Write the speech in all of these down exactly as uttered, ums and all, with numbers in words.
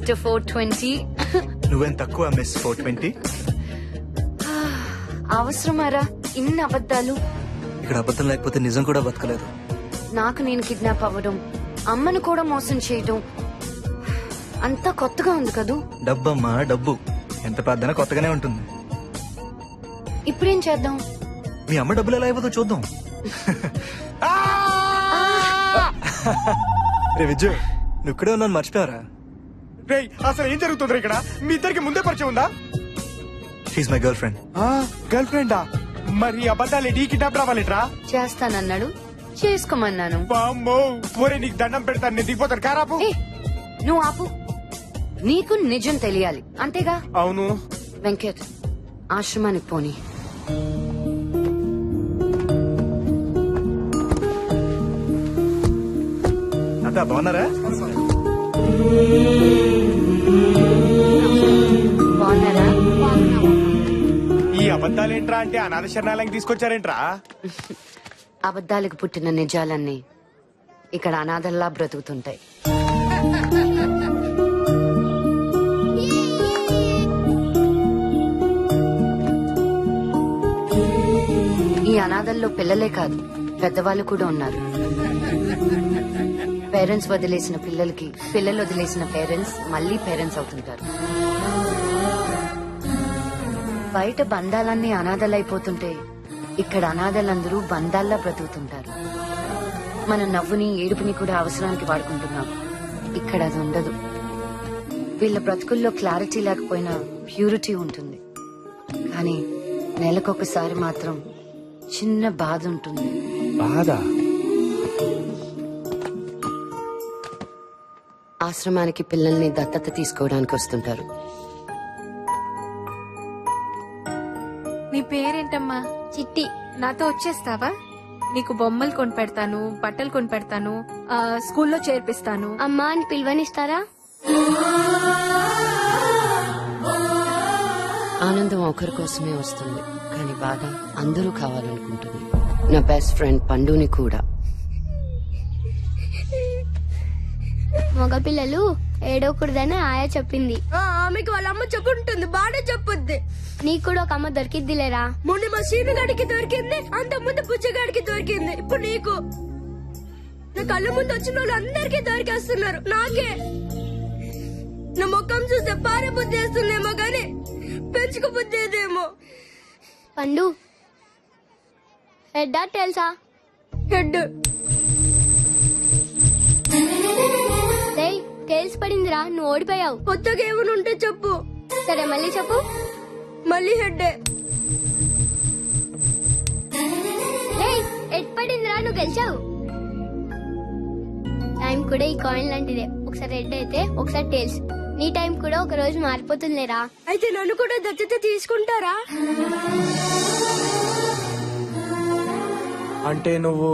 Mister four twenty. నువ్వేం తక్కువ miss four twenty. అవసరమారా ఇన్ని అబద్ధాలు? ఇక్కడ అబద్ధం లేకపోతే నిజం కూడా బతకలేదు. నాకు నేను కిడ్నాప్ అవ్వడం, అమ్మను కూడా మోసం చేయడం అంతా కొత్తగా ఉంది కదూ. డబ్బమ్మా డబ్బు ఎంత పెద్దనా కొత్తగానే ఉంటుంది. ఇప్పుడేం చేద్దాం? మీ అమ్మ డబ్బులు ఎలా అయిపోతుందో చూద్దాం. రే విజయ్, నువ్వు ఇక్కడే ఉన్నాను మర్చిపోయారా? రేయ్, అసలు ఏం జరుగుతుంది ఇక్కడ? మీ ఇద్దరికి ముందే పరిచయం ఉందా? She my girlfriend. గర్ల్ ఫ్రెండా? మరి అబద్ధాలు నీ కిడ్నాప్ రావాలిట్రా? చేస్తానన్నాడు, చేసుకోమన్నాను. బామ్మో, ఒరే నీకు దండం పెడతాను, నేను దిగిపోతాను. కారాపు. ఏ, నువ్వు ఆపు. నీకు నిజం తెలియాలి అంతేగా? అవును. వెంకట్, ఆశ్రమానికి పోని. అత్త బాగున్నారా? బాగున్నారా? ఈ అబద్ధాలేంట్రా అంటే అనాథ శరణాలయం తీసుకొచ్చారేంట్రా? అబద్ధాలకు పుట్టిన నిజాలన్నీ ఇక్కడ అనాథల్లా బ్రతుకుతుంటాయి. ఈ అనాథల్లో పిల్లలే కాదు, పెద్దవాళ్ళు కూడా ఉన్నారు. పేరెంట్స్ వదిలేసిన పిల్లలకి, పిల్లలు వదిలేసిన పేరెంట్స్ మళ్ళీ పేరెంట్స్ అవుతుంటారు. బయట బంధాలన్నీ అనాథలైపోతుంటే ఇక్కడ అనాథలందరూ బంధాల్లా బ్రతుకుతుంటారు. మన నవ్వుని, ఏడుపుని కూడా అవసరానికి వాడుకుంటున్నాం. ఇక్కడ అది ఉండదు. వీళ్ళ బ్రతుకుల్లో క్లారిటీ లేకపోయినా ప్యూరిటీ ఉంటుంది. కానీ నెలకొకసారి మాత్రం చిన్న బాధ ఉంటుంది. బాధ? ఆశ్రమానికి పిల్లల్ని దత్తత తీసుకోవడానికి వస్తుంటారు. నీ పేరేంటమ్మా? చిట్టి. నాతో వచ్చేస్తావా? నీకు బొమ్మలు కొనిపెడతాను, బట్టలు కొనిపెడతాను, ఆ, స్కూల్లో చేర్పిస్తాను. అమ్మా అని పిలువనిస్తారా? ఆనందం ఒకరి కోసమే వస్తుంది, కానీ బాధ అందరూ కావాలనుకుంటుంది. నా బెస్ట్ ఫ్రెండ్ పండుని కూడా. మగపిల్లలు ఏడవకూడదని ఆయా చెప్పింది. ఆమెకి వాళ్ళ అమ్మ చెప్పుంటుంది, బాగా చెప్పుద్ది. నీకు కూడా ఒక అమ్మ దొరికిద్దిలేరా? మొన్న మా సీనుగాడికి దొరికింది, అంత ముందు పుచ్చగాడికి దొరికింది, ఇప్పుడు నీకు. నా కళ్ళ ముందు వచ్చిన వాళ్ళు అందరికీ దొరికేస్తున్నారు, నాకే. నా ముఖం చూస్తే పారే బుద్ధి వేస్తుందేమో గాని పెంచుకు బుద్ధి ఏదేమో. పండు, హెడ్ తెలుసా? హెడ్. టేల్స్ పడిందిరా, నువ్వు ఓడిపోయావు. కొత్తగా ఏమైనా ఉంటే చెప్పు. సరే మళ్ళీ చెప్పు. మళ్ళీ హెడ్డే. హెడ్ పడిందిరా, నువ్వు గెలిచావు. టైం కూడా ఈ కాయిన్ లాంటిదే, ఒకసారి హెడ్ అయితే ఒకసారి టేల్స్. నీ టైం కూడా ఒక రోజు మారిపోతుందిరా. అయితే నన్ను కూడా దత్తత తీసుకుంటారా? అంటే నువ్వు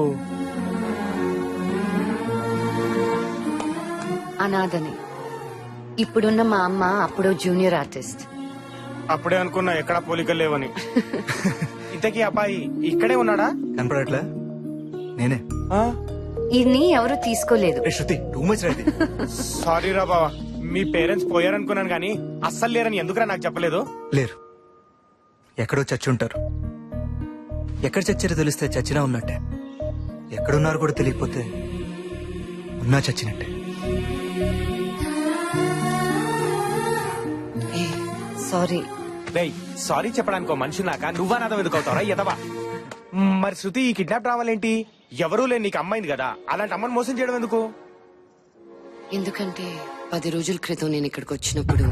అనాథని. ఇప్పుడున్న మా అమ్మ అప్పుడు జూనియర్ ఆర్టిస్ట్. అప్పుడే అనుకున్నా ఎక్కడా పోలికలు లేవని. ఇంతకీ అబ్బాయి ఇక్కడే ఉన్నాడా? కనపడట్లే? నేనే. ఇది ఎవరు తీసుకోలేదు. ఏ Shruti, too much right. Sorry రా బావా, మీ పేరెంట్స్ పోయారనుకున్నాను కానీ అస్సలు లేరని ఎందుకురా నాకు చెప్పలేదు? లేరు, ఎక్కడో చచ్చి ఉంటారు. ఎక్కడ చచ్చారో తెలిస్తే చచ్చినా ఉన్నట్టే, ఎక్కడున్నారు కూడా తెలియకపోతే ఉన్నా చచ్చినట్టే. సారీ. రేయ్, సారీ చెప్పడానికి మనిషి నాక నువ్వా నాదం ఎందుకు అవుతావరా ఎదవా? మరి శృతి ఈ కిడ్నాప్ రావాలేంటి? ఎవరూ లేని నీకు అమ్మాయింది కదా, అలాంటి అమ్మని మోసం చేయడం ఎందుకు? ఎందుకంటే పది రోజుల క్రితం నేను ఇక్కడికి వచ్చినప్పుడు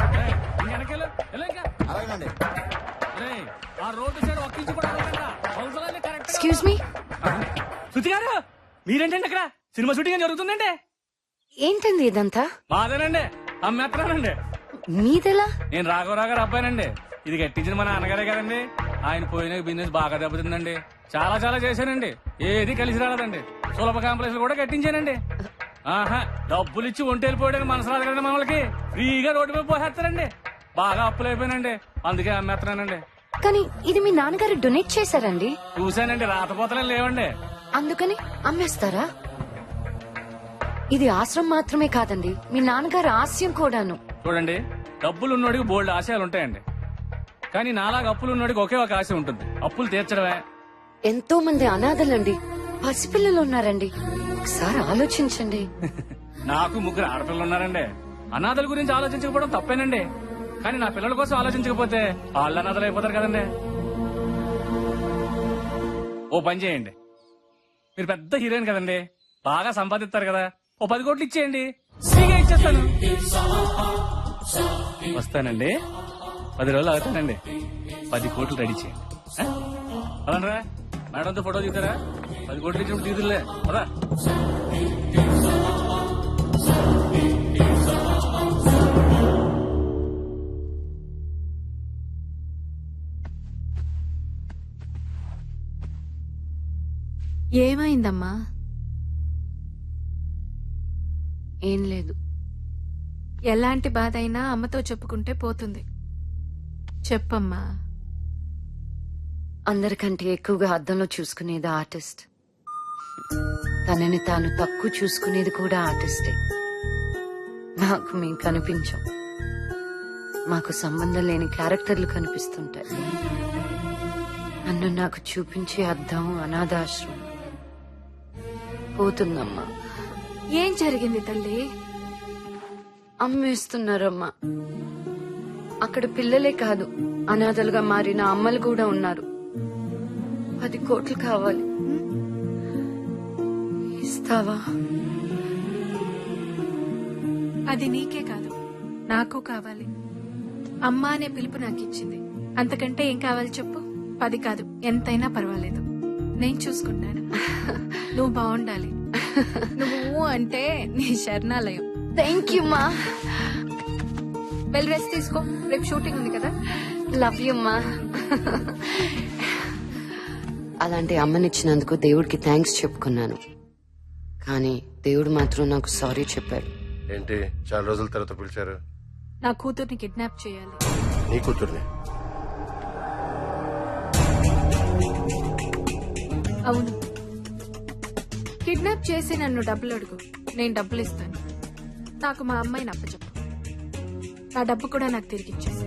ఎక్స్క్యూజ్ మీ. శృతి గారు, మీరేంటండి అక్కడ? సినిమా షూటింగ్ జరుగుతుందండి. ఏంటండి ఇదంతా? మాదేనండి, అమ్మేత్తరానండి. మీదెలా? నేను రాఘవరావు గారు అబ్బాయినండి. ఇది కట్టించిన మా నాన్నగారే కదండి. ఆయన పోయిన బిజినెస్ బాగా దెబ్బతిందండి. చాలా చాలా చేశానండి, ఏది కలిసి రాలేదండి. సులభ కాంప్లెక్స్ కూడా కట్టించానండి. ఆహా, డబ్బులు ఇచ్చి ఒంటి వెళ్ళిపోయాడు మనసు రాదు కదండి మనకి. ఫ్రీగా రోడ్డు మీద పోసేస్తారండి. బాగా అప్పులు అయిపోయినండి, అందుకే అమ్మేస్తున్నానండి. కానీ ఇది మీ నాన్నగారు డొనేట్ చేశారండి. చూశానండి, రాతపోతలే లేవండి. అందుకని అమ్మేస్తారా? ఇది ఆశ్రమం మాత్రమే కాదండి, మీ నాన్నగారి ఆశయం కూడాను. చూడండి, డబ్బులు ఉన్నోడికి బోల్డ్ ఆశయాలు ఉంటాయండి. కానీ నాలాగా అప్పులు ఉన్నోడికి ఒకే ఒక ఆశ ఉంటుంది, అప్పులు తీర్చడమే. ఎంతో మంది అనాథలండి, పసిపిల్లలు ఉన్నారండి. ఒకసారి ఆలోచించండి. నాకు ముగ్గురు ఆడపిల్లలు ఉన్నారండి. అనాథల గురించి ఆలోచించకపోవడం తప్పేనండి. కానీ నా పిల్లల కోసం ఆలోచించకపోతే వాళ్ళు అనాథలు అయిపోతారు కదండి. ఓ పని చేయండి, మీరు పెద్ద హీరోయిన్ కదండి, బాగా సంపాదిస్తారు కదా, ఓ పది కోట్లు ఇచ్చేయండి, ఫ్రీగా ఇచ్చేస్తాను. వస్తానండి, పది రోజులు అవుతానండి, పది కోట్లు రెడీ చేయండి. ఆ? పదండ్రా, మేడంతో ఫోటో దిగుతారా? పది కోట్లు ఇచ్చినప్పుడు తీదులే పదా. ఏమైందమ్మా? ఏం లేదు. ఎలాంటి బాధ అయినా అమ్మతో చెప్పుకుంటే పోతుంది. చెప్పమ్మా. అందరికంటే ఎక్కువగా అద్దంలో చూసుకునేది ఆర్టిస్ట్. తనని తాను తక్కువ చూసుకునేది కూడా ఆర్టిస్టే. నాకు మేము కనిపించాం, మాకు సంబంధం లేని క్యారెక్టర్లు కనిపిస్తుంటాయి. నన్ను నాకు చూపించే అద్దం అనాథాశ్రమం. పోతుందమ్మా. ఏం జరిగింది తల్లి? అమ్మేస్తున్నారమ్మా. అక్కడ పిల్లలే కాదు, అనాథలుగా మారిన అమ్మలు కూడా ఉన్నారు. పది కోట్లు కావాలి, ఇస్తావా? అది నీకే కాదు, నాకు కావాలి. అమ్మ అనే పిలుపు నాకు ఇచ్చింది, అంతకంటే ఏం కావాలి చెప్పు? పది కాదు, ఎంతైనా పర్వాలేదు, నేను చూసుకుంటాను. నువ్వు బాగుండాలి. నువ్వు అంటే నీ శరణాలయం. థ్యాంక్ యూ మా. వెల్ రెస్ట్ తీసుకో, రేపు షూటింగ్ ఉంది కదా. లవ్ యూ మా. అలాంటి అమ్మనిచ్చినందుకు దేవుడికి థ్యాంక్స్ చెప్పుకున్నాను, కానీ దేవుడు మాత్రం నాకు సారీ చెప్పాడు. ఏంటి చాలా రోజుల తర్వాత పిలిచారు? నా కూతుర్ని కిడ్నాప్ చేయాలి. నీ కూతుర్ని? అవును, కిడ్నాప్ చేసి నన్ను డబ్బులు అడుగు, నేను డబ్బులు ఇస్తాను. నాకు మా అమ్మాయిని అప్పచెప్పు, నా డబ్బు కూడా నాకు తిరిగి ఇచ్చేసి.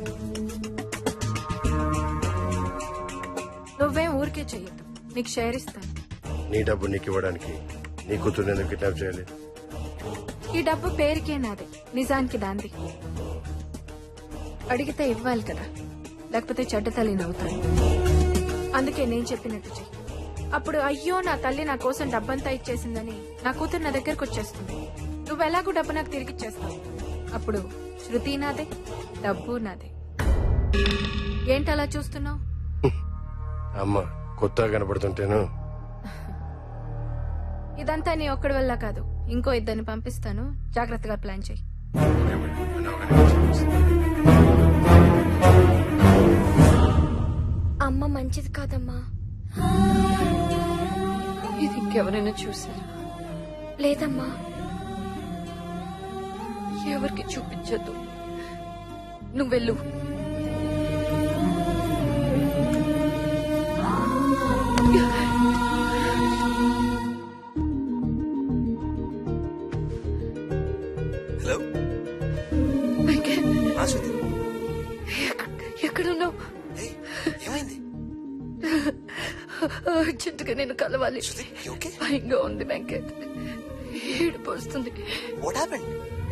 నువ్వేం ఊరికే చెయ్యొద్దు, నీకు షేర్ ఇస్తాను. నీ డబ్బు నీకు ఇవ్వడానికి నీ కూతుర్ని ఎందుకు కిడ్నాప్ చేయాలి? ఈ డబ్బు పేరుకే నాది, నిజానికి దాంది. అడిగితే ఇవ్వాలి కదా, లేకపోతే చెడ్డ తల్లిని అవుతాను. అందుకే నేను చెప్పినట్టు చెయ్యి. అప్పుడు అయ్యో నా తల్లి నా కోసం డబ్బంతా ఇచ్చేసిందని నా కూతురు నా దగ్గరకు వచ్చేస్తుంది. నువ్వు ఎలాగూ డబ్బు నాకు తిరిగి ఇచ్చేస్తావు. అప్పుడు శృతి నాదే, డబ్బు నాదే. ఏంటి అలా చూస్తున్నావు? అమ్మ కొత్తగా కనబడుతుంటేను. ఇదంతా నీ ఒక్కడి వల్ల కాదు, ఇంకో ఇద్దరిని పంపిస్తాను, జాగ్రత్తగా ప్లాన్ చేయి. అమ్మ మంచిది కాదమ్మా. ఇది ఇంకెవరైనా చూసారా? లేదమ్మా. ఎవరికి చూపించద్దు, నువ్వు వెళ్ళు. హలో, వెంకట్, ఆ శృతి, ఎక్క- ఎక్కడున్నావు? ఏయ్, ఏమైంది? అర్జెంటుగా నేను కలవాలి. శృతి, you okay? భయంగా ఉంది వెంకట్, ఏడుపు వస్తుంది. What happened?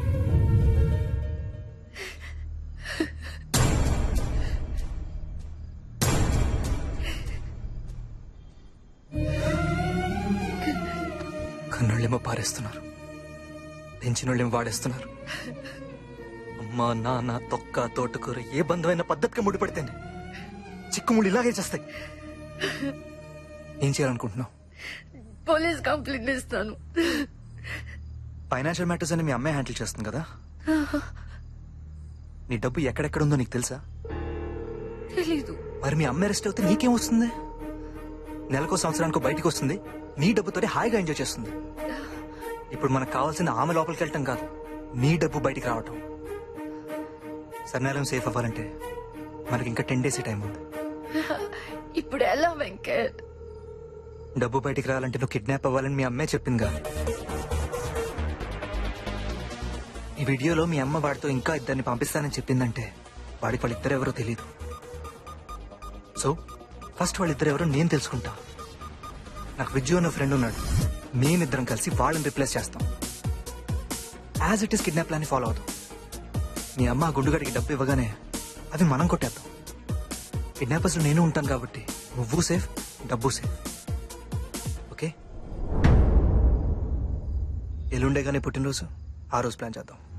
కన్నోళ్ళేమో పారేస్తున్నారు, పెంచినోళ్ళేమో వాడేస్తున్నారు. అమ్మ నాన్న తొక్క తోటకూర ఏ బంధమైన పద్ధతిగా ముడిపడితేనే చిక్కుముళ్ళు ఇలాగే చేస్తాయి. ఏం చేయాలనుకుంటున్నావు? పోలీస్ కంప్లైంట్ ఇస్తాను. ఫైనాన్షియల్ మ్యాటర్స్ అని మీ అమ్మాయి హ్యాండిల్ చేస్తుంది కదా. నీ డబ్బు ఎక్కడెక్కడ ఉందో నీకు తెలుసా? తెలీదు. మరి మీ అమ్మాయి అరెస్ట్ అవుతే నీకేం వస్తుంది? నెలకో సంవత్సరానికో బయటికి వస్తుంది, నీ డబ్బుతోనే హాయిగా ఎంజాయ్ చేస్తుంది. ఇప్పుడు మనకు కావాల్సింది ఆమె లోపలికి వెళ్ళటం కాదు, నీ డబ్బు బయటికి రావటం. సర్నేలం సేఫ్ అవ్వాలంటే మనకి ఇంకా టెన్ డేస్ టైం ఉంది. ఇప్పుడు ఎలా వెంకట్? డబ్బు బయటికి రావాలంటే నువ్వు కిడ్నాప్ అవ్వాలని మీ అమ్మే చెప్పిందిగా. ఈ వీడియోలో మీ అమ్మ వాడితో ఇంకా ఇద్దరిని పంపిస్తానని చెప్పిందంటే వాడికి వాళ్ళిద్దరు ఎవరో తెలియదు. సో ఫస్ట్ వాళ్ళిద్దరు ఎవరో నేను తెలుసుకుంటా. నాకు విజ్జు అన్న ఫ్రెండ్ ఉన్నాడు. మేమిద్దరం కలిసి వాళ్ళని రిప్లేస్ చేస్తాం. As it is kidnap plan follow అవుతాం. మీ అమ్మ ఆ గుండుగడికి డబ్బు ఇవ్వగానే అవి మనం కొట్టేద్దాం. కిడ్నాపర్స్ నేను ఉంటాను కాబట్టి నువ్వు సేఫ్, డబ్బు సేఫ్. ఓకే, ఎల్లుండే కానీ పుట్టినరోజు, ఆ రోజు ప్లాన్ చేద్దాం.